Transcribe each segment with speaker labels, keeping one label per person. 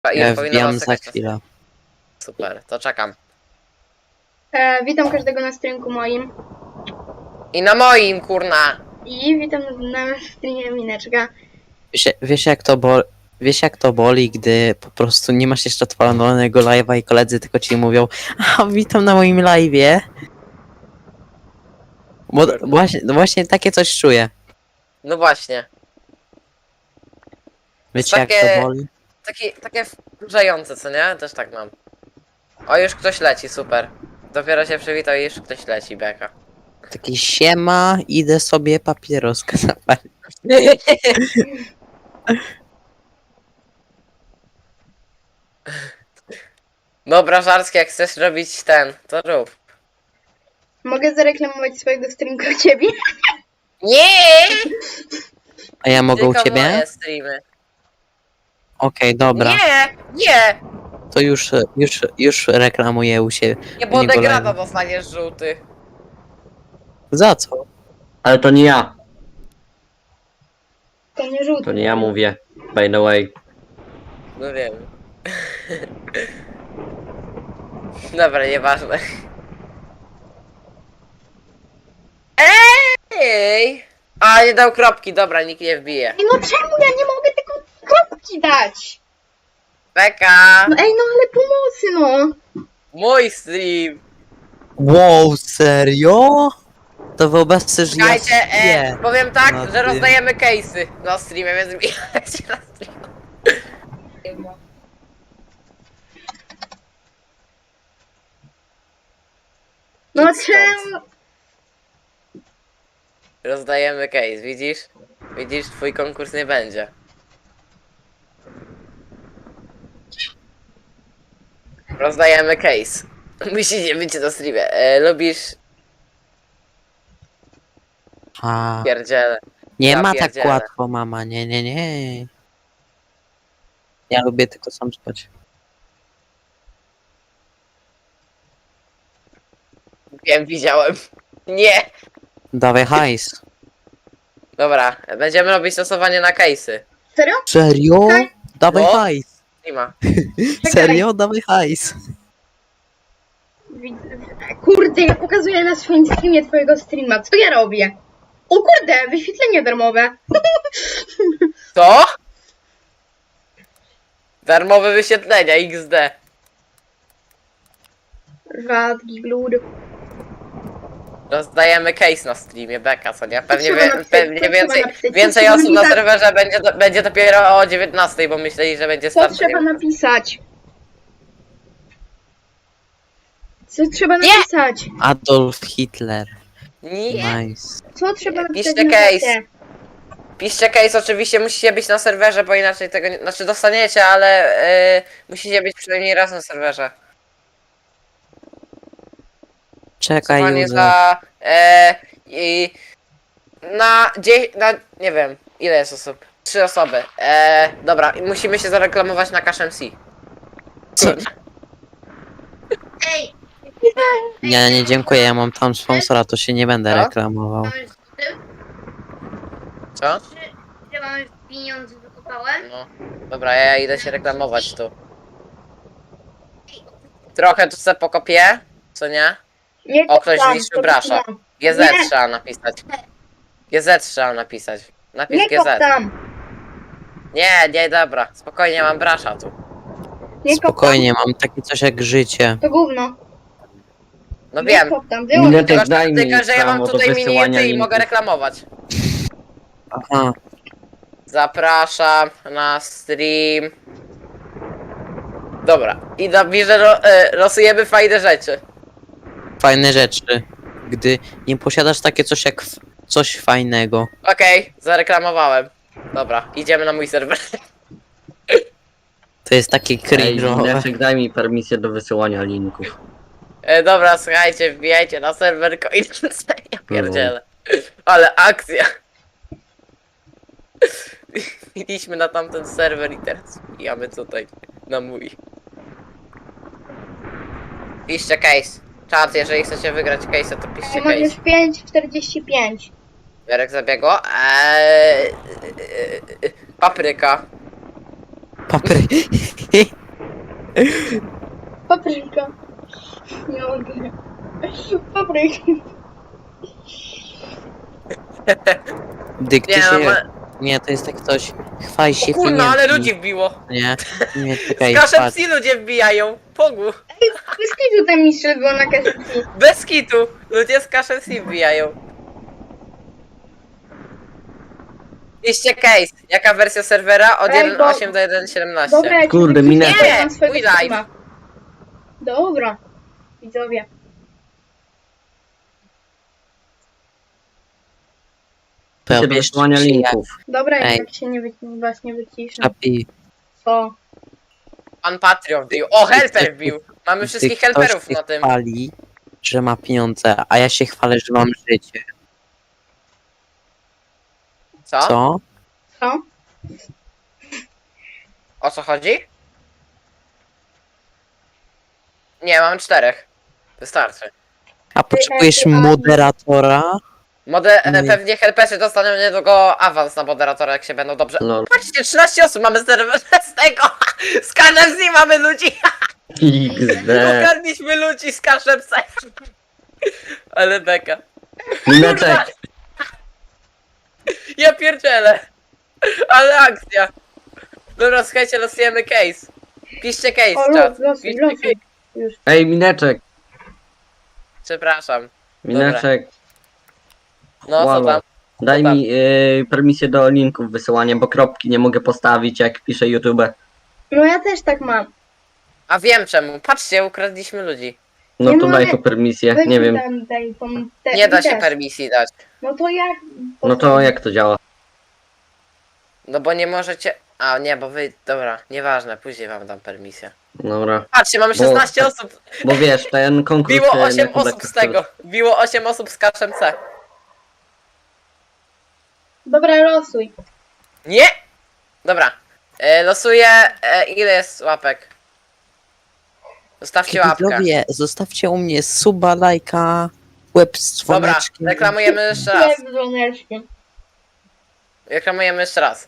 Speaker 1: Ja
Speaker 2: powinno
Speaker 1: wbijam
Speaker 2: was
Speaker 1: za
Speaker 2: czekać.
Speaker 1: chwilę.
Speaker 2: Super, to czekam.
Speaker 3: Witam każdego na streamku moim.
Speaker 2: I na moim, kurna!
Speaker 3: I witam na streamie Mineczka.
Speaker 1: Wiesz jak to boli, gdy po prostu nie masz jeszcze odpalonego live'a i koledzy tylko ci mówią: a witam na moim live'ie. Bo właśnie takie coś czuję.
Speaker 2: No właśnie.
Speaker 1: Wiecie jak
Speaker 2: takie-
Speaker 1: to boli?
Speaker 2: Takie wkurzające, co nie? Też tak mam. O, już ktoś leci, super. Dopiero się przywitał i już ktoś leci, beka.
Speaker 1: Taki siema, idę sobie papieroska zapalić.
Speaker 2: Dobra, Żarski, jak chcesz robić ten, to rób.
Speaker 3: Mogę zareklamować swojego streamka u ciebie?
Speaker 2: Nie!
Speaker 1: A ja mogę u
Speaker 2: Tylko
Speaker 1: ciebie?
Speaker 2: moje streamy.
Speaker 1: Okej, dobra.
Speaker 2: Nie! Nie!
Speaker 1: To już reklamuję u siebie.
Speaker 2: Nie, bo
Speaker 1: u niego
Speaker 2: degrada
Speaker 1: live'a.
Speaker 2: dostaniesz żółty.
Speaker 1: Za co?
Speaker 4: Ale to nie ja,
Speaker 3: To nie żółty.
Speaker 4: to nie ja mówię. By the way.
Speaker 2: No wiem. Dobra, nieważne. Ej! A, nie dał kropki, dobra, nikt nie wbije.
Speaker 3: Ej, no czemu ja nie mogę tylko kropki dać?
Speaker 2: Beka!
Speaker 3: No ej, no ale pomocy, no.
Speaker 2: Mój stream!
Speaker 1: Wow, serio? To wyobraź sobie, że ja
Speaker 2: Słuchajcie,
Speaker 1: śpię.
Speaker 2: powiem tak,
Speaker 1: na
Speaker 2: że
Speaker 1: tym.
Speaker 2: rozdajemy case'y na streamie, więc wbijajcie na stream.
Speaker 3: No
Speaker 2: Idź stąd.
Speaker 3: czemu?
Speaker 2: Rozdajemy case, widzisz? Widzisz, twój konkurs nie będzie. Rozdajemy case. Musicie być na streamie. Lubisz
Speaker 1: A,
Speaker 2: pierdziele.
Speaker 1: nie
Speaker 2: ja
Speaker 1: ma tak
Speaker 2: pierdzielę.
Speaker 1: łatwo, mama, nie. Ja lubię tylko sam spać.
Speaker 2: Wiem, widziałem. Nie!
Speaker 1: Dawaj hajs.
Speaker 2: Dobra, będziemy robić stosowanie na case'y.
Speaker 3: Serio?
Speaker 1: Serio?
Speaker 3: Tak.
Speaker 1: Dawaj
Speaker 2: No.
Speaker 1: hajs.
Speaker 2: Streama.
Speaker 1: Serio? Dawaj hajs.
Speaker 3: Kurde, ja pokazuję na swoim streamie twojego streama. Co ja robię? O kurde, wyświetlenie darmowe.
Speaker 2: Co? Darmowe wyświetlenia, XD.
Speaker 3: Rzadki glud.
Speaker 2: Rozdajemy case na streamie, beka, co nie? Pewnie,
Speaker 3: trzeba napisać?
Speaker 2: pewnie
Speaker 3: Co
Speaker 2: więcej,
Speaker 3: trzeba napisać?
Speaker 2: więcej
Speaker 3: Co
Speaker 2: osób
Speaker 3: trzeba
Speaker 2: na
Speaker 3: napisać?
Speaker 2: serwerze będzie dopiero o 19, bo myśleli, że będzie
Speaker 3: Co
Speaker 2: start.
Speaker 3: trzeba napisać? Co trzeba
Speaker 2: Nie!
Speaker 3: napisać?
Speaker 1: Adolf Hitler.
Speaker 2: Nie!
Speaker 1: Nice.
Speaker 3: Co trzeba napisać
Speaker 2: Piszcie
Speaker 3: na
Speaker 2: case.
Speaker 3: czacie?
Speaker 2: Piszcie case, oczywiście musicie być na serwerze, bo inaczej tego nie... Znaczy dostaniecie, ale musicie być przynajmniej raz na serwerze.
Speaker 1: Czekaj,
Speaker 2: Panie
Speaker 1: Józef.
Speaker 2: za... I... Na... Nie wiem, ile jest osób? 3 osoby. Dobra, i musimy się zareklamować na Cash MC.
Speaker 1: Co?
Speaker 5: Ej,
Speaker 1: Nie, dziękuję, ja mam tam sponsora, to się nie będę
Speaker 2: Co?
Speaker 1: reklamował.
Speaker 5: mamy z tym?
Speaker 2: Co?
Speaker 5: Że mamy pieniądze wykopałem?
Speaker 2: No. Dobra, ja idę się reklamować tu. Trochę tu se pokopię, co nie?
Speaker 3: Nie
Speaker 2: O, ktoś
Speaker 3: koptam,
Speaker 2: zniszczył brasza.
Speaker 3: koptam.
Speaker 2: GZ
Speaker 3: Nie.
Speaker 2: trzeba napisać. GZ trzeba napisać. Napisz
Speaker 3: Nie
Speaker 2: GZ.
Speaker 3: koptam.
Speaker 2: Nie, dobra. Spokojnie, mam brasza tu.
Speaker 3: Nie
Speaker 1: Spokojnie, mam takie coś jak życie.
Speaker 3: koptam. To gówno.
Speaker 2: No
Speaker 3: Nie
Speaker 2: wiem.
Speaker 3: koptam. Wyłącz.
Speaker 4: Mineczek, daj mi
Speaker 2: Tylko, że ja mam
Speaker 4: prawo do
Speaker 2: tutaj
Speaker 4: wysyłania
Speaker 2: minity i
Speaker 4: linków.
Speaker 2: mogę reklamować.
Speaker 1: Aha,
Speaker 2: Zapraszam na stream. Dobra. I napiszę, losujemy fajne rzeczy.
Speaker 1: fajne rzeczy. Gdy nie posiadasz takie coś jak coś fajnego.
Speaker 2: Okej, zareklamowałem. Dobra, idziemy na mój serwer.
Speaker 1: To jest takie
Speaker 4: Ej,
Speaker 1: cringe'owe.
Speaker 4: Mineczek, daj mi permisję do wysyłania linków.
Speaker 2: Dobra, słuchajcie, wbijajcie na serwer Coinance. Ja pierdzielę. Ale akcja. Wbiliśmy na tamten serwer i teraz wbijamy tutaj na mój. Piszcie case. Czat, jeżeli chcecie wygrać case, to piszcie
Speaker 3: Mam już
Speaker 2: case.
Speaker 3: 5,45.
Speaker 2: Jarek zabiegło. Papryka.
Speaker 1: Papry.
Speaker 3: Papryka. Nie mogę. Papryka.
Speaker 1: Dyk, ty
Speaker 2: Nie,
Speaker 1: się...
Speaker 2: no,
Speaker 1: Nie, to jest tak coś... Chwal się
Speaker 2: o kurna, ale
Speaker 1: pieniędzmi.
Speaker 2: ludzi wbiło.
Speaker 1: Nie, nie,
Speaker 2: Z
Speaker 1: czekaj,
Speaker 2: kaszem
Speaker 1: patrz.
Speaker 2: psi ludzie wbijają. Pogu.
Speaker 3: Bez kitu ten mistrz był na kasetce.
Speaker 2: Bez kitu. Ludzie z kaszem psi wbijają. Piszcie case. Jaka wersja serwera? Od
Speaker 3: Ej, bo-
Speaker 2: 1.8 do 1.17.
Speaker 3: Dobra, ja ci
Speaker 4: Kurde,
Speaker 3: wyślę
Speaker 4: minęło.
Speaker 3: na swojego
Speaker 2: Nie, mój live.
Speaker 3: streama. Dobra. Widzowie.
Speaker 1: To
Speaker 4: Do
Speaker 1: wiesz,
Speaker 4: wysyłania
Speaker 1: czy ja-
Speaker 4: linków.
Speaker 3: Dobra,
Speaker 1: Ej.
Speaker 3: jak się was nie wyciszę.
Speaker 1: Czapi,
Speaker 3: Co?
Speaker 2: Pan Patreon wbił. O, helper wbił. Mamy wszystkich
Speaker 1: ktoś
Speaker 2: helperów
Speaker 1: się
Speaker 2: na tym.
Speaker 1: chwali, że ma pieniądze, a ja się chwalę, że mam życie.
Speaker 2: Co?
Speaker 1: Co?
Speaker 3: Co?
Speaker 2: O co chodzi? Nie, mam 4. Wystarczy.
Speaker 1: A potrzebujesz
Speaker 3: a-
Speaker 1: moderatora? Nie.
Speaker 2: Pewnie helperzy dostaną niedługo awans na moderatora, jak się będą dobrze...
Speaker 4: Lol.
Speaker 2: Patrzcie, 13 osób mamy serwer z tego! Z każdym z nich mamy ludzi!
Speaker 4: XD.
Speaker 2: Ukradliśmy ludzi z każdym z... Ale beka.
Speaker 4: Mineczek.
Speaker 2: Ja pierdzielę! Ale akcja! Dobra, słuchajcie, losujemy case. Piszcie case,
Speaker 3: O,
Speaker 2: czat.
Speaker 3: losuj,
Speaker 2: Piszcie
Speaker 3: losuj.
Speaker 2: case.
Speaker 3: Już.
Speaker 4: Ej, mineczek.
Speaker 2: Przepraszam.
Speaker 4: Mineczek.
Speaker 2: No, co
Speaker 4: Halo.
Speaker 2: tam?
Speaker 4: Daj
Speaker 2: Co tam?
Speaker 4: mi permisję do linków wysyłania, bo kropki nie mogę postawić, jak piszę YouTube.
Speaker 3: No ja też tak mam.
Speaker 2: A wiem czemu. Patrzcie, ukradliśmy ludzi.
Speaker 4: No
Speaker 3: Nie
Speaker 4: to daj
Speaker 3: mogę.
Speaker 4: tu permisję,
Speaker 3: Weź
Speaker 4: nie
Speaker 3: mi
Speaker 4: wiem.
Speaker 3: tam, daj tą
Speaker 2: Nie da
Speaker 3: mi
Speaker 2: się
Speaker 3: też.
Speaker 2: permisji dać.
Speaker 3: No to jak?
Speaker 4: No to jak to działa?
Speaker 2: No bo nie możecie... A nie, bo wy... Dobra, nieważne, później wam dam permisję.
Speaker 4: Dobra.
Speaker 2: Patrzcie, mamy
Speaker 4: Bo-
Speaker 2: 16 osób.
Speaker 4: Bo wiesz, ten konkurs...
Speaker 2: Biło
Speaker 4: na
Speaker 2: 8
Speaker 4: Kubek,
Speaker 2: osób z tego. Biło 8 osób z kaszem C.
Speaker 3: Dobra, losuj.
Speaker 2: Nie! Dobra. Losuję... ile jest łapek? Zostawcie łapkę.
Speaker 1: Widzowie, zostawcie u mnie suba, lajka, łeb z
Speaker 2: Dobra,
Speaker 1: dzwoneczkiem.
Speaker 2: reklamujemy jeszcze raz.
Speaker 3: Jak żonerski.
Speaker 2: Reklamujemy jeszcze raz.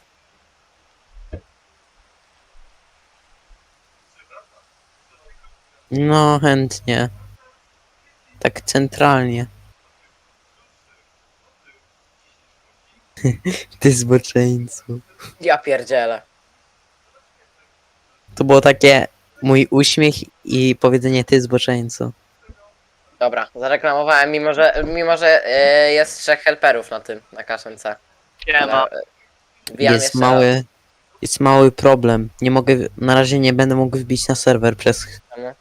Speaker 1: No, chętnie. Tak centralnie. Ty zboczeńcu.
Speaker 2: Ja pierdzielę.
Speaker 1: To było takie mój uśmiech i powiedzenie ty zboczeńcu.
Speaker 2: Dobra, zareklamowałem, mimo że jest 3 helperów na tym, na kaszem C. Dobra, wbijam
Speaker 1: Jest
Speaker 2: jeszcze
Speaker 1: mały, jest mały problem. Nie mogę, na razie nie będę mógł wbić na serwer przez...
Speaker 2: Czemu?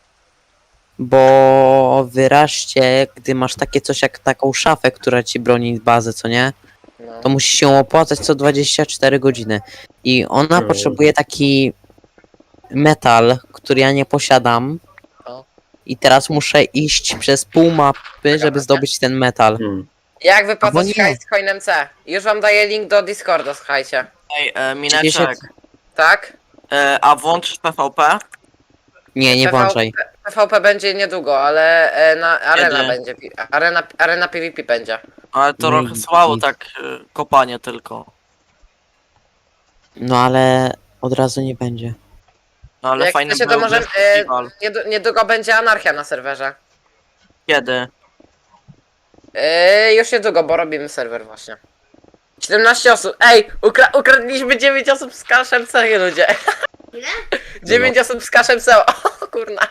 Speaker 1: Bo wyraźnie, gdy masz takie coś jak taką szafę, która ci broni bazę, co nie?
Speaker 2: No.
Speaker 1: To musi się opłacać co 24 godziny. I ona
Speaker 4: Mm.
Speaker 1: potrzebuje taki metal, który ja nie posiadam.
Speaker 2: O.
Speaker 1: I teraz muszę iść przez pół mapy, żeby zdobyć ten metal.
Speaker 2: Jak
Speaker 1: Albo
Speaker 2: wypłacać
Speaker 1: nie.
Speaker 2: hajs z coinem C? Już wam daję link do Discorda, słuchajcie.
Speaker 6: Ej,
Speaker 1: Przecież
Speaker 6: Mineczek,
Speaker 1: jak-
Speaker 2: Tak?
Speaker 6: a włączysz PvP?
Speaker 1: Nie, nie włączaj.
Speaker 2: PvP będzie niedługo, ale na arena
Speaker 6: Kiedy?
Speaker 2: będzie. Arena PvP będzie.
Speaker 6: Ale to
Speaker 1: No
Speaker 6: trochę
Speaker 1: i
Speaker 6: słabo,
Speaker 1: git.
Speaker 6: tak kopanie tylko.
Speaker 1: No ale od razu nie będzie.
Speaker 6: No ale
Speaker 2: Jak
Speaker 6: fajny
Speaker 2: chcecie, to
Speaker 6: byłby
Speaker 2: może
Speaker 6: festiwal.
Speaker 2: niedługo będzie anarchia na serwerze.
Speaker 6: Kiedy?
Speaker 2: Już niedługo, bo robimy serwer właśnie. 17 osób. Ej, ukradliśmy 9 osób z kaszem C, ludzie.
Speaker 5: Ile?
Speaker 2: 9 osób z kaszem C. O kurna.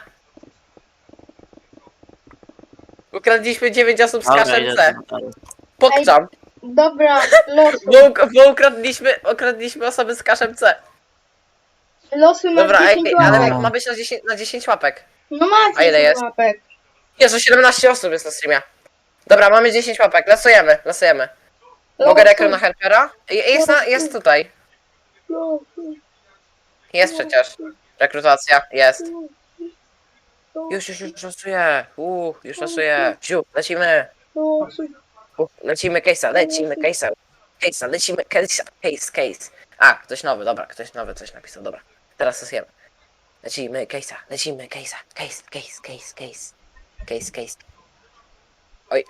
Speaker 2: Ukradliśmy 9 osób z
Speaker 6: Dobra,
Speaker 2: kaszem
Speaker 6: idę
Speaker 2: C.
Speaker 6: tam dalej.
Speaker 2: Pokczam.
Speaker 3: Dobra, losuj.
Speaker 2: Bo ukradliśmy osoby z kaszem C.
Speaker 3: Losuj masz
Speaker 2: Dobra,
Speaker 3: 10
Speaker 2: ale
Speaker 3: łapek.
Speaker 2: ma być na 10 łapek.
Speaker 3: No masz
Speaker 2: A ile
Speaker 3: 10
Speaker 2: jest?
Speaker 3: łapek.
Speaker 2: Jezu, 17 osób jest na streamie. Dobra, mamy 10 łapek, losujemy. Mogę
Speaker 3: Losuj,
Speaker 2: rekru na helpera? Jest tutaj.
Speaker 3: losuj,
Speaker 2: Jest przecież. Rekrutacja, jest. Już losuję. Już losuję. Ciu, lecimy.
Speaker 3: losuj.
Speaker 2: Lecimy case'a, lecimy case. A, ktoś nowy, dobra, ktoś nowy coś napisał, dobra. Teraz losujemy. Lecimy case'a. Case. Oj.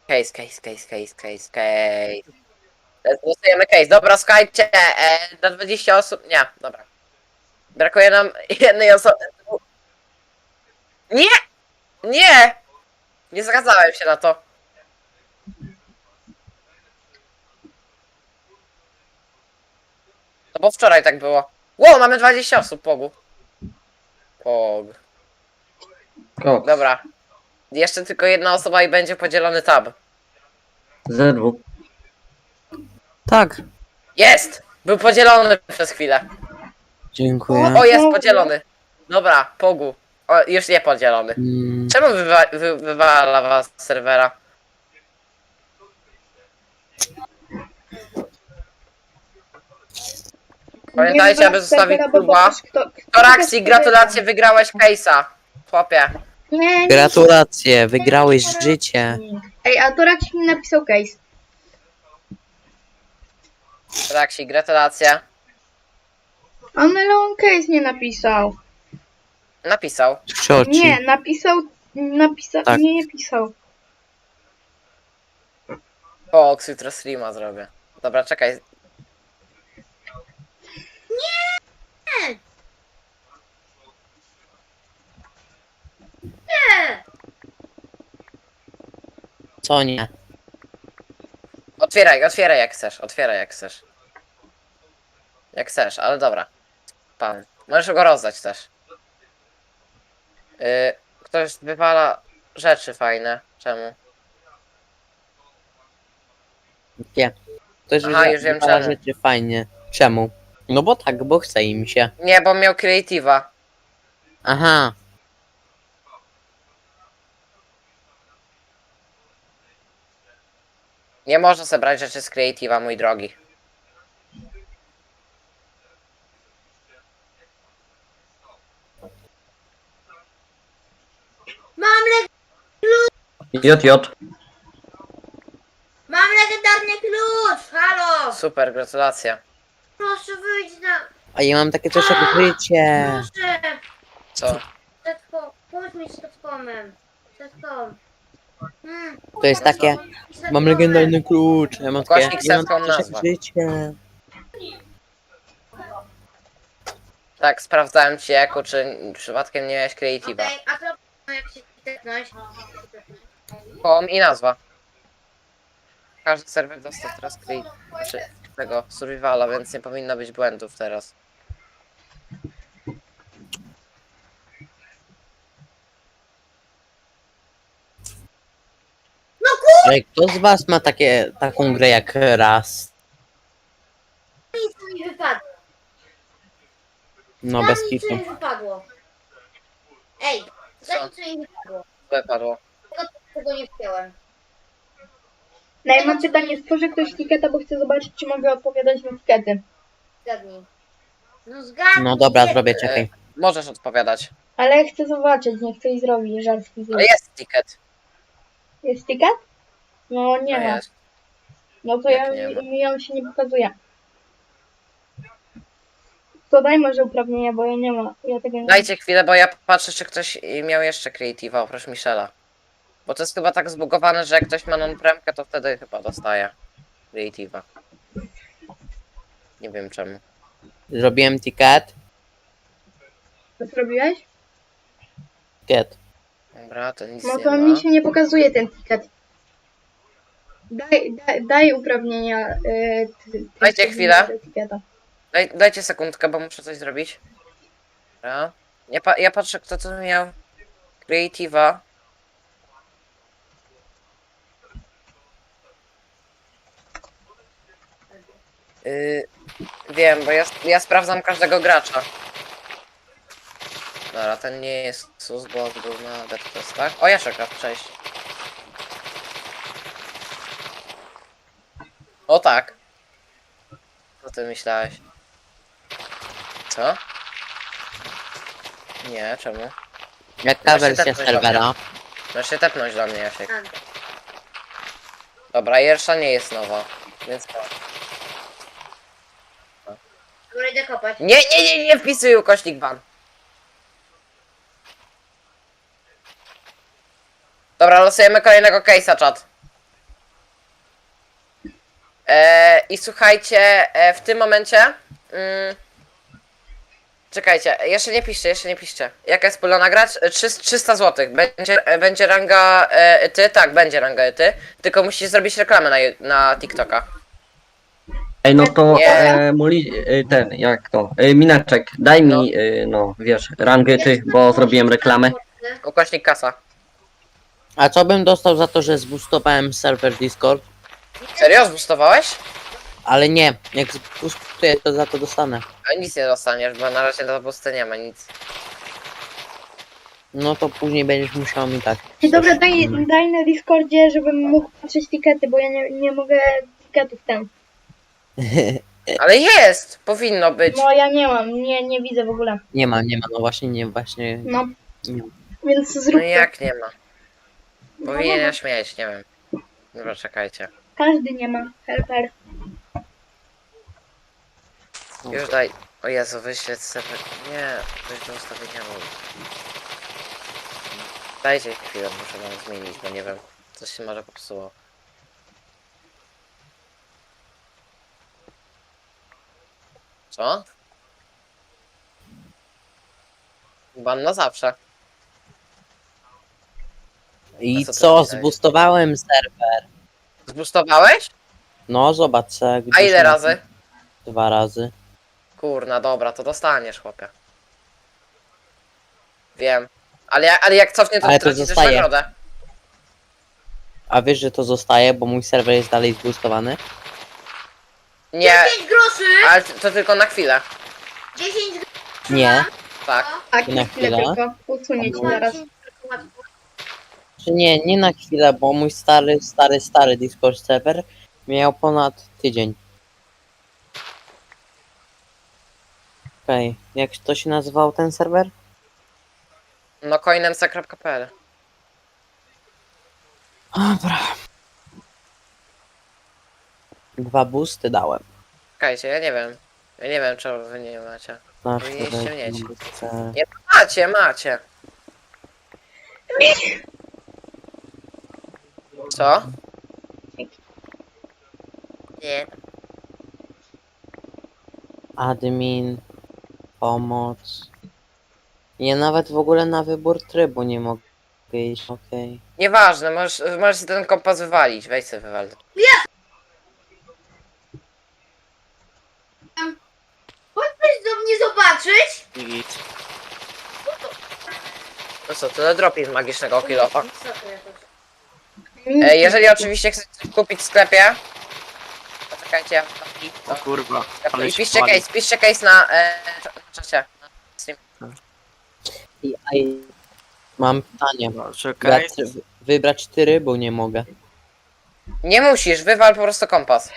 Speaker 2: Case. Losujemy case. Dobra, słuchajcie, na 20 osób. Nie, dobra. Brakuje nam jednej osoby. Nie! Nie! Nie zgadzałem się na to. No bo wczoraj tak było. Wow, mamy 20 osób, Pogu. Pog.
Speaker 4: Koks.
Speaker 2: Dobra. Jeszcze tylko jedna osoba i będzie podzielony tab.
Speaker 4: Zerwu.
Speaker 1: Tak.
Speaker 2: Jest! Był podzielony przez chwilę.
Speaker 1: Dziękuję.
Speaker 2: O, jest podzielony. Dobra, Pogu. O, już nie podzielony.
Speaker 1: Mm,
Speaker 2: Czemu wywala was z serwera? Pamiętajcie, aby zostawić suba. Toraxi, gratulacje, wygrałeś case'a. Chłopie.
Speaker 3: Nie,
Speaker 1: Gratulacje, wygrałeś życie.
Speaker 3: Ej, a Torax mi napisał case.
Speaker 2: Toraxi, gratulacje.
Speaker 3: Ale on case nie napisał.
Speaker 2: Napisał.
Speaker 1: Cioci.
Speaker 3: Nie, napisał,
Speaker 1: Tak.
Speaker 3: nie pisał.
Speaker 2: Fox, jutro streama zrobię. Dobra, czekaj.
Speaker 5: Nie!
Speaker 1: Co nie?
Speaker 2: Otwieraj jak chcesz, otwieraj jak chcesz. Jak chcesz, ale dobra. Pan. Możesz go rozdać też. Ktoś wywala rzeczy fajne. Czemu?
Speaker 1: Nie. Ktoś
Speaker 2: Aha, już wiem
Speaker 1: wywala
Speaker 2: czemu.
Speaker 1: rzeczy fajnie. Czemu? No bo tak, bo chce im się.
Speaker 2: Nie, bo miał creative'a.
Speaker 1: Aha.
Speaker 2: Nie można zebrać rzeczy z creative'a, mój drogi.
Speaker 5: Mam,
Speaker 4: JJ.
Speaker 5: mam legendarny klucz! Halo!
Speaker 2: Super, gratulacje.
Speaker 5: Proszę wyjdź na...
Speaker 1: A ja mam takie coś jak życie.
Speaker 5: Proszę!
Speaker 2: Co?
Speaker 5: Pomóż mi z Tetcomem. Tetcom.
Speaker 1: To jest takie. Mam legendarny klucz. Ja mam takie.
Speaker 2: Głośnik
Speaker 1: Ja mam
Speaker 2: setką
Speaker 1: takie coś jak
Speaker 2: nazwa.
Speaker 1: życie.
Speaker 2: Tak, sprawdzałem ci jako, czy przypadkiem nie miałeś creative'a.
Speaker 5: Okej, a co jak się tetnąć?
Speaker 2: Home i nazwa. Każdy serwer dostał teraz znaczy tego survivala, więc nie powinno być błędów teraz.
Speaker 1: Ale kto z was ma taką grę jak raz?
Speaker 5: Nic mi wypadło.
Speaker 1: No
Speaker 5: Daj
Speaker 1: bez
Speaker 5: mi,
Speaker 1: kitu.
Speaker 5: co mi wypadło. Ej,
Speaker 2: Co?
Speaker 5: daj mi, co mi wypadło.
Speaker 2: Co padło?
Speaker 5: Tego nie wziąłem.
Speaker 3: No i mam pytanie, stworzę ktoś tiketa, bo chcę zobaczyć, czy mogę odpowiadać na tikety.
Speaker 5: Zgadnij. No zgadnij.
Speaker 1: No dobra, zrobię, czekaj.
Speaker 2: Możesz odpowiadać.
Speaker 3: Ale chcę zobaczyć, niech ktoś zrobi żarski
Speaker 2: Ale jest ticket.
Speaker 3: Jest ticket? No nie
Speaker 2: No
Speaker 3: ma.
Speaker 2: jest.
Speaker 3: No to
Speaker 2: Jak nie ma?
Speaker 3: mi on się nie pokazuje. To daj może uprawnienia, bo ja nie ma. Ja tego nie
Speaker 2: Dajcie chwilę, bo ja patrzę, czy ktoś miał jeszcze creative'a oprócz Michela. Bo to jest chyba tak zbugowane, że jak ktoś ma non-premkę, to wtedy chyba dostaje creative'a. Nie wiem czemu.
Speaker 1: Zrobiłem ticket.
Speaker 3: To zrobiłeś?
Speaker 1: Ticket.
Speaker 2: Dobra, to nic
Speaker 3: No
Speaker 2: nie
Speaker 3: to
Speaker 2: ma.
Speaker 3: mi się nie pokazuje ten ticket. Daj uprawnienia.
Speaker 2: Dajcie chwilę.
Speaker 3: Etykieta.
Speaker 2: Dajcie sekundkę, bo muszę coś zrobić. Dobra. Ja patrzę, kto tu miał creative'a. Wiem, bo ja sprawdzam każdego gracza. Dobra, ten nie jest sus, bo był na death testach. O, Jaszeka, cześć. O tak. Co ty myślałeś? Co? Nie, czemu?
Speaker 1: Jaka
Speaker 2: Właśnie
Speaker 1: wersja
Speaker 2: tak coś
Speaker 1: serwera?
Speaker 2: Możesz się tepnąć do mnie, Jasiek.
Speaker 5: A,
Speaker 2: Dobra, Jersza nie jest nowa, więc to.
Speaker 5: dobra, idę kopać.
Speaker 2: Nie wpisuj ukośnik ban. Dobra, losujemy kolejnego case'a, czat. I słuchajcie, w tym momencie Czekajcie, jeszcze nie piszcie, jeszcze nie piszcie. Jaka jest pula nagrać? 300 zł. Będzie ranga ty? Tak, będzie ranga ty. Tylko musisz zrobić reklamę na TikToka.
Speaker 4: Ej, no to
Speaker 2: Nie.
Speaker 4: ten, jak to? Mineczek, daj mi, no wiesz, rangę ty, bo zrobiłem reklamę.
Speaker 2: Ukośnik kasa.
Speaker 1: A co bym dostał za to, że zboostowałem serwer Discord?
Speaker 2: Serio? Zboostowałeś?
Speaker 1: Ale nie, jak zboostuję, to za to dostanę.
Speaker 2: A nic nie dostaniesz, bo na razie do boosty nie ma nic.
Speaker 1: No to później będziesz musiał mi tak.
Speaker 3: Dobra, daj na Discordzie, żebym mógł patrzeć tikety, bo ja nie mogę tiketów tam.
Speaker 2: Ale jest! Powinno być.
Speaker 3: No ja nie mam, nie widzę w ogóle.
Speaker 1: Nie ma, no właśnie, nie, właśnie.
Speaker 3: No,
Speaker 1: Nie ma.
Speaker 3: więc
Speaker 2: No
Speaker 3: zrób
Speaker 2: i
Speaker 3: to.
Speaker 2: jak nie ma?
Speaker 3: No,
Speaker 2: Powinieneś mieć, nie wiem. Dobra, czekajcie.
Speaker 3: Każdy nie ma. Helper.
Speaker 2: Już daj. O Jezu, wyśleć sobie. Nie, coś do ustawienia ról. Dajcie chwilę, muszę wam zmienić, bo nie wiem. Coś się może popsuło. Co? Ban na zawsze.
Speaker 1: I
Speaker 2: A co ty
Speaker 1: co,
Speaker 2: myślałeś?
Speaker 1: zboostowałem serwer.
Speaker 2: Zboostowałeś?
Speaker 1: No zobacz se,
Speaker 2: A
Speaker 1: gdzieś
Speaker 2: ile
Speaker 1: na-
Speaker 2: razy?
Speaker 1: 2 razy.
Speaker 2: Kurna, dobra, to dostaniesz, chłopie. Wiem. Ale jak cofnie, to
Speaker 1: Ale to
Speaker 2: tracisz
Speaker 1: zostaje.
Speaker 2: nagrodę.
Speaker 1: A wiesz, że to zostaje, bo mój serwer jest dalej zboostowany?
Speaker 2: Nie,
Speaker 5: 10 groszy!
Speaker 2: ale to tylko na chwilę.
Speaker 5: 10 groszy!
Speaker 1: Nie.
Speaker 2: Tak.
Speaker 3: Tak,
Speaker 1: Na
Speaker 3: na chwilę
Speaker 1: chwilę.
Speaker 3: tylko. Usunie ci zaraz.
Speaker 1: Czy nie na chwilę, bo mój stary Discord serwer miał ponad tydzień. Okej, jak to się nazywał ten serwer?
Speaker 2: No coinemc.pl.
Speaker 1: Dobra. 2 boosty dałem.
Speaker 2: Czekajcie, ja nie wiem. Ja nie wiem, czego wy nie macie.
Speaker 1: Na
Speaker 2: Powinniście
Speaker 1: chwilę,
Speaker 2: mieć.
Speaker 1: chcę-
Speaker 2: Nie, macie. Co? Nie.
Speaker 1: Admin, pomoc. Ja nawet w ogóle na wybór trybu nie mogę iść, okej.
Speaker 2: Nieważne, możesz sobie ten kompas wywalić. Weź sobie wywal.
Speaker 5: Chcesz do mnie zobaczyć?
Speaker 6: Git.
Speaker 2: No co, tyle dropi z magicznego kilofa.
Speaker 5: Co to jakoś?
Speaker 2: Jeżeli oczywiście chcecie coś kupić w sklepie, to czekajcie, ja
Speaker 6: O kurwa. Ale
Speaker 2: I
Speaker 6: się
Speaker 2: piszcie
Speaker 6: pali.
Speaker 2: piszcie case na czacie.
Speaker 1: Mam pytanie.
Speaker 6: No, czekaj.
Speaker 1: Wybrać trybu nie mogę.
Speaker 2: Nie musisz, wywal po prostu kompas.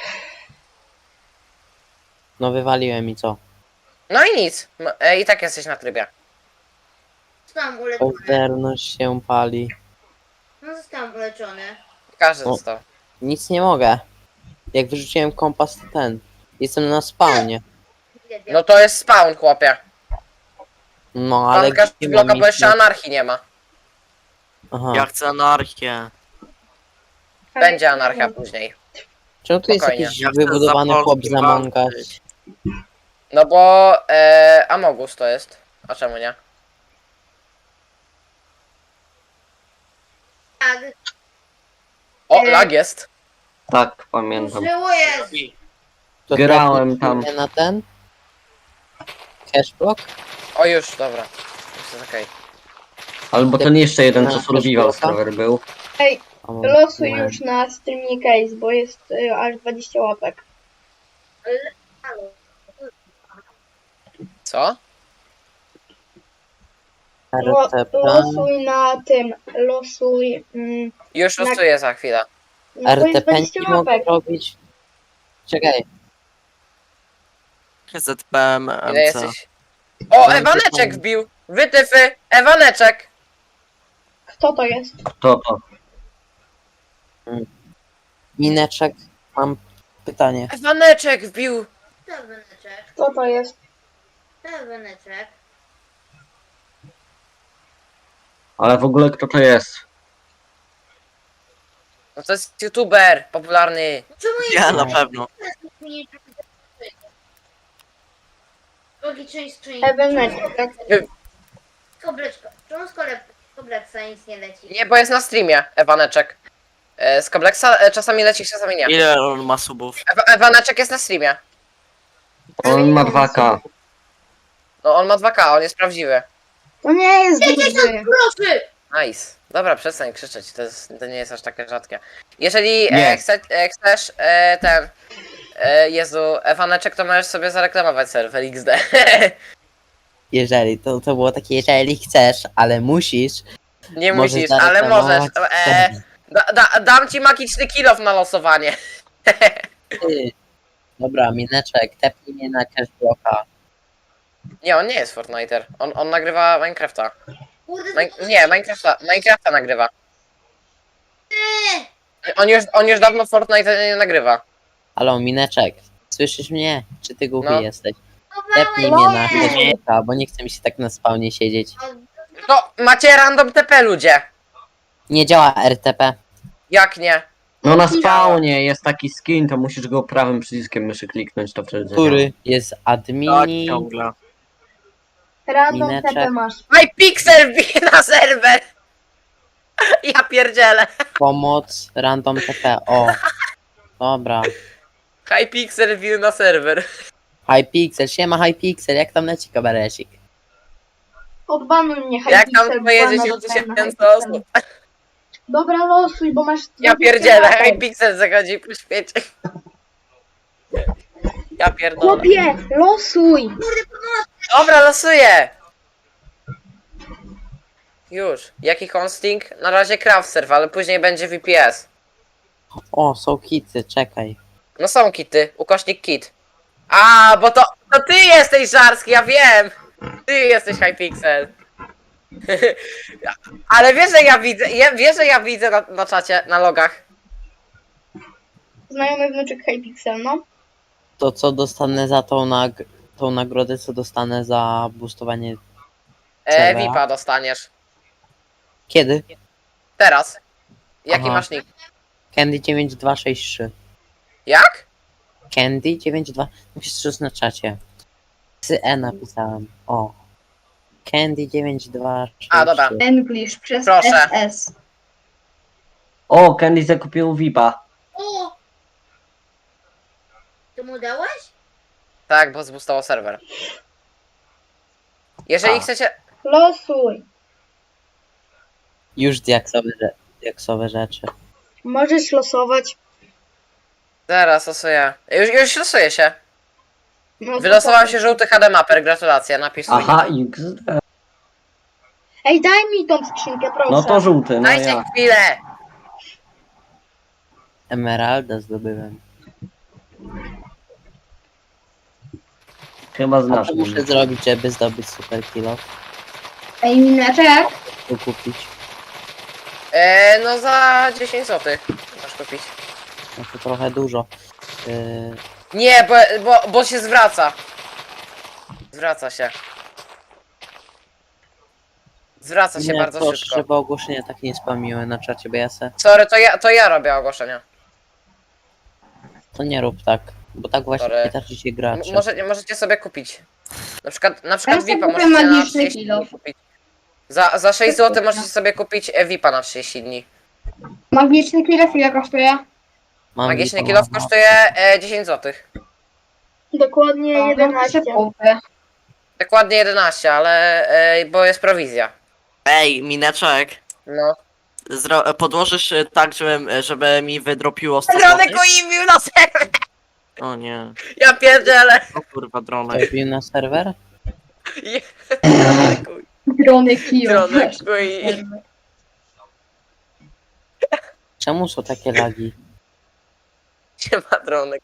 Speaker 1: No wywaliłem i co?
Speaker 2: No i nic. I tak jesteś na trybie.
Speaker 5: Zostałam uleczony.
Speaker 1: Oderność się pali.
Speaker 5: No zostałam uleczony.
Speaker 2: Każdy
Speaker 1: O.
Speaker 2: dostał.
Speaker 1: Nic nie mogę. Jak wyrzuciłem kompas, to ten. Jestem na spawnie.
Speaker 2: No to jest spawn, chłopie.
Speaker 1: No ale
Speaker 2: Pan
Speaker 1: gdzie
Speaker 2: bloka,
Speaker 1: mam
Speaker 2: bo
Speaker 1: iść?
Speaker 2: jeszcze anarchii nie ma.
Speaker 1: Aha.
Speaker 6: Ja chcę anarchię.
Speaker 2: Będzie anarchia później.
Speaker 1: Czemu tu jest
Speaker 2: spokojnie.
Speaker 1: jakiś
Speaker 6: Ja chcę
Speaker 1: wybudowany
Speaker 6: za
Speaker 1: chłop
Speaker 6: Polski
Speaker 1: z Among Us?
Speaker 6: walczyć.
Speaker 2: No bo Amogus to jest. A czemu nie?
Speaker 5: Tak,
Speaker 2: O, lag jest.
Speaker 4: Tak, pamiętam.
Speaker 5: żyło jest.
Speaker 1: To
Speaker 4: Grałem tam.
Speaker 1: trafię na ten? Cashblock?
Speaker 2: O już, dobra. Już jest okej.
Speaker 4: Albo ten jeszcze jeden, co
Speaker 1: Na
Speaker 4: survival
Speaker 1: Facebooka?
Speaker 4: serwer był.
Speaker 3: Ej,
Speaker 1: O,
Speaker 3: losuj
Speaker 1: nie.
Speaker 3: już na streamie case, bo jest aż 20 łapek.
Speaker 5: Halo.
Speaker 2: Co?
Speaker 1: RTP.
Speaker 3: Losuj na tym, losuj...
Speaker 2: Już
Speaker 3: Na-
Speaker 2: losuję za chwilę.
Speaker 3: No to jest
Speaker 1: RTP
Speaker 3: 20
Speaker 1: nie mogę
Speaker 3: łapek.
Speaker 1: robić. Czekaj.
Speaker 6: ZPM
Speaker 2: Ile
Speaker 6: MC.
Speaker 2: jesteś? O,
Speaker 1: Będzie
Speaker 2: Ewaneczek
Speaker 1: pan.
Speaker 2: wbił! Wytyfy! Ewaneczek!
Speaker 3: Kto to jest?
Speaker 4: Kto to?
Speaker 1: Mineczek, mam pytanie.
Speaker 2: Ewaneczek wbił!
Speaker 5: To weneczek.
Speaker 3: Kto to jest?
Speaker 5: To weneczek.
Speaker 4: Ale w ogóle kto to jest?
Speaker 2: No to jest youtuber popularny.
Speaker 5: Czemu
Speaker 6: Ja na pewno.
Speaker 5: Drugi część
Speaker 3: Eweneczek, tak?
Speaker 5: Kobleczka. Czemu z kobleksa nic nie leci?
Speaker 2: Nie, bo jest na streamie, Ewaneczek. Z Koblexa czasami leci, czasami nie.
Speaker 6: Ile on ma subów?
Speaker 2: Ewaneczek jest na streamie.
Speaker 4: On ma 2K.
Speaker 2: No on ma 2K, on jest prawdziwy.
Speaker 3: To nie jest duży.
Speaker 5: Proszę!
Speaker 2: Nice. Dobra, przestań krzyczeć, to nie jest aż takie rzadkie. Jeżeli
Speaker 4: Nie.
Speaker 2: chcesz Jezu, Ewaneczek, to możesz sobie zareklamować serwer XD.
Speaker 1: Jeżeli, to było takie, jeżeli chcesz, ale musisz.
Speaker 2: Nie
Speaker 1: Możesz
Speaker 2: musisz, ale możesz.
Speaker 1: zareklamować
Speaker 2: Dam ci magiczny kill-off na losowanie.
Speaker 1: Ty. Dobra, Mineczek, tepnij mnie na cashblocka.
Speaker 2: Nie, on nie jest Fortniter. On nagrywa Minecrafta.
Speaker 5: Kurde,
Speaker 2: Nie, Minecrafta nagrywa. On już dawno Fortnite nie nagrywa.
Speaker 1: Halo, Mineczek, słyszysz mnie? Czy ty głuchy
Speaker 2: No.
Speaker 1: jesteś?
Speaker 5: schowałem
Speaker 1: Tepnij mnie na
Speaker 3: nie.
Speaker 1: cashblocka, bo nie chce mi się tak na spawnie siedzieć.
Speaker 2: No, macie random TP ludzie.
Speaker 1: Nie działa RTP.
Speaker 2: Jak nie?
Speaker 4: No na spawnie jest taki skin, to musisz go prawym przyciskiem myszy kliknąć, to wtedy zadziała.
Speaker 1: Który jest
Speaker 6: Tak,
Speaker 1: admin.
Speaker 6: ciągle.
Speaker 3: Random
Speaker 1: Mineczek.
Speaker 3: TP masz.
Speaker 2: Hypixel wbije na serwer. Ja pierdzielę.
Speaker 1: Pomoc, random TP. O. Dobra.
Speaker 2: Hypixel wbił na serwer.
Speaker 1: Hypixel, siema Hypixel, jak tam leci kabarecik?
Speaker 3: Odbanuj mnie,
Speaker 2: Jak tam
Speaker 3: Hypixel,
Speaker 2: twoje
Speaker 3: bana
Speaker 2: 10
Speaker 3: dostałem na
Speaker 2: tysięcy
Speaker 3: Hypixelu.
Speaker 2: osób?
Speaker 3: Dobra, losuj, bo masz...
Speaker 2: Ja
Speaker 3: 20
Speaker 2: pierdzielę,
Speaker 3: lat.
Speaker 2: Hypixel zachodzi po świecie. Ja pierdolę.
Speaker 3: Chłopie, losuj!
Speaker 2: Dobra, losuję. Już. Jaki hosting? Na razie craft server, ale później będzie VPS.
Speaker 1: O, są hity, czekaj.
Speaker 2: No są kity, ukośnik kit. A, bo to ty jesteś Żarski, ja wiem. Ty jesteś Hypixel. Ale wiesz, że ja widzę, wiesz, że ja widzę na czacie, na logach.
Speaker 3: Znajomy wnuczek Hypixel, no.
Speaker 1: To co dostanę za tą nagrodę, co dostanę za boostowanie? Dobra.
Speaker 2: VIPa dostaniesz.
Speaker 1: Kiedy?
Speaker 2: Teraz. Jaki
Speaker 1: Aha.
Speaker 2: masz nick?
Speaker 1: Candy 9263.
Speaker 2: Jak?
Speaker 1: Candy 92. Musisz na czacie. E napisałem. O. Candy 9263.
Speaker 2: A, dobra.
Speaker 3: English przez
Speaker 2: Proszę.
Speaker 3: SS.
Speaker 4: O, Candy zakupił VIPa.
Speaker 5: O! Ty mu dałeś?
Speaker 2: Tak, bo zboostował serwer. Jeżeli
Speaker 1: A.
Speaker 2: chcecie...
Speaker 3: Losuj.
Speaker 1: Już diaksowe rzeczy.
Speaker 3: Możesz losować.
Speaker 2: Zaraz losuję. Już losuję się.
Speaker 3: No, to
Speaker 2: Wylosował
Speaker 3: tak.
Speaker 2: się żółty HD Mapper, gratulacje, napisz swój
Speaker 4: Aha,
Speaker 2: nick.
Speaker 4: XD.
Speaker 3: Ej, daj mi tą skrzynkę, proszę.
Speaker 4: No to żółty, no
Speaker 2: Dajcie
Speaker 4: ja.
Speaker 2: chwilę!
Speaker 1: Emeralda zdobyłem.
Speaker 4: Chyba
Speaker 1: A
Speaker 4: znasz
Speaker 1: co muszę
Speaker 4: mnie.
Speaker 1: zrobić, żeby zdobyć super kilo?
Speaker 3: Ej, Mineczek.
Speaker 1: Tu kupić.
Speaker 2: No za 10 zł masz kupić.
Speaker 1: No to trochę dużo.
Speaker 2: Nie, bo się zwraca. Zwraca się. Zwraca się
Speaker 1: Nie,
Speaker 2: bardzo
Speaker 1: proszę,
Speaker 2: szybko.
Speaker 1: żeby ogłoszenia tak nie spamiły na czacie, bo ja se...
Speaker 2: Sorry, to ja robię ogłoszenia.
Speaker 1: To nie rób tak, bo tak właśnie
Speaker 2: Sorry.
Speaker 1: pytacie się gracze.
Speaker 2: Możecie sobie kupić. Na przykład
Speaker 3: Ja
Speaker 2: VIPa
Speaker 3: sobie
Speaker 2: możecie na
Speaker 3: magiczny
Speaker 2: 30
Speaker 3: kilo.
Speaker 2: dni kupić. Za 6 zł możecie sobie kupić VIPa na 30 dni.
Speaker 3: Magiczny kilof ile kosztuje?
Speaker 1: Mam
Speaker 2: Magiczny
Speaker 1: VIPa,
Speaker 2: kilof
Speaker 1: mam.
Speaker 2: kosztuje 10 zł.
Speaker 3: Dokładnie 11.
Speaker 2: Dokładnie 11, ale bo jest prowizja.
Speaker 6: Ej, Mineczek.
Speaker 2: No.
Speaker 6: Podłożysz tak, żeby mi wydropiło 100
Speaker 2: Dronek
Speaker 6: złotych?
Speaker 2: uimił na serwer!
Speaker 6: O nie.
Speaker 2: Ja pierdzielę!
Speaker 6: O kurwa, dronek.
Speaker 1: Wbił na serwer?
Speaker 3: Drony kilof.
Speaker 2: Dronek uimił.
Speaker 1: Czemu są takie lagi?
Speaker 2: Siema dronek.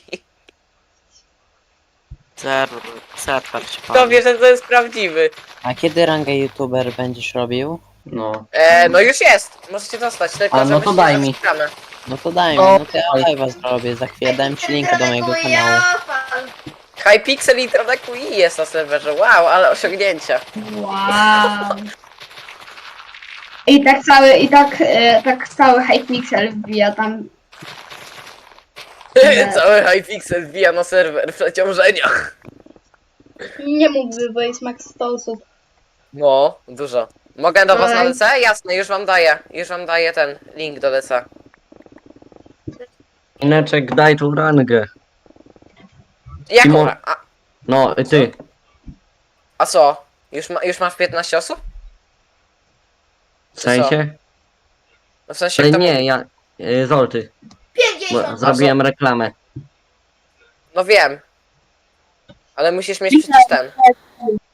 Speaker 6: Serwer się
Speaker 2: Kto
Speaker 6: pali.
Speaker 2: wie, że to jest prawdziwy?
Speaker 1: A kiedy rangę youtuber będziesz robił?
Speaker 4: No.
Speaker 2: No już jest! Możecie dostać, tylko
Speaker 4: A, no to
Speaker 2: żebyście
Speaker 4: daj mi.
Speaker 2: zapisane.
Speaker 1: No to daj mi,
Speaker 4: O,
Speaker 1: no to ja live'a zrobię. Za chwilę dam ci linka do mojego kanału.
Speaker 2: Hypixel i Dronek UI jest na serwerze. Wow, ale osiągnięcia.
Speaker 3: Wow. I tak cały Hypixel wbija tam. Nie.
Speaker 2: Cały Hypixel wbija na serwer w przeciążeniach.
Speaker 3: Nie mógłby, bo jest max 100 osób.
Speaker 2: No, dużo. Mogę do was na
Speaker 3: Oj.
Speaker 2: DC? Jasne, już wam daję. Już wam daję ten link do DC.
Speaker 4: Mineczek, daj tu rangę.
Speaker 2: Jaką?
Speaker 4: Timo-
Speaker 2: A,
Speaker 4: No, ty.
Speaker 2: a co? Już masz 15 osób?
Speaker 4: W sensie?
Speaker 2: No w sensie
Speaker 4: Ale
Speaker 2: kto
Speaker 4: nie,
Speaker 2: mówi?
Speaker 4: ja... Zolty.
Speaker 5: 50.
Speaker 4: Zrobiłem reklamę.
Speaker 2: No wiem. Ale musisz mieć przecież ten.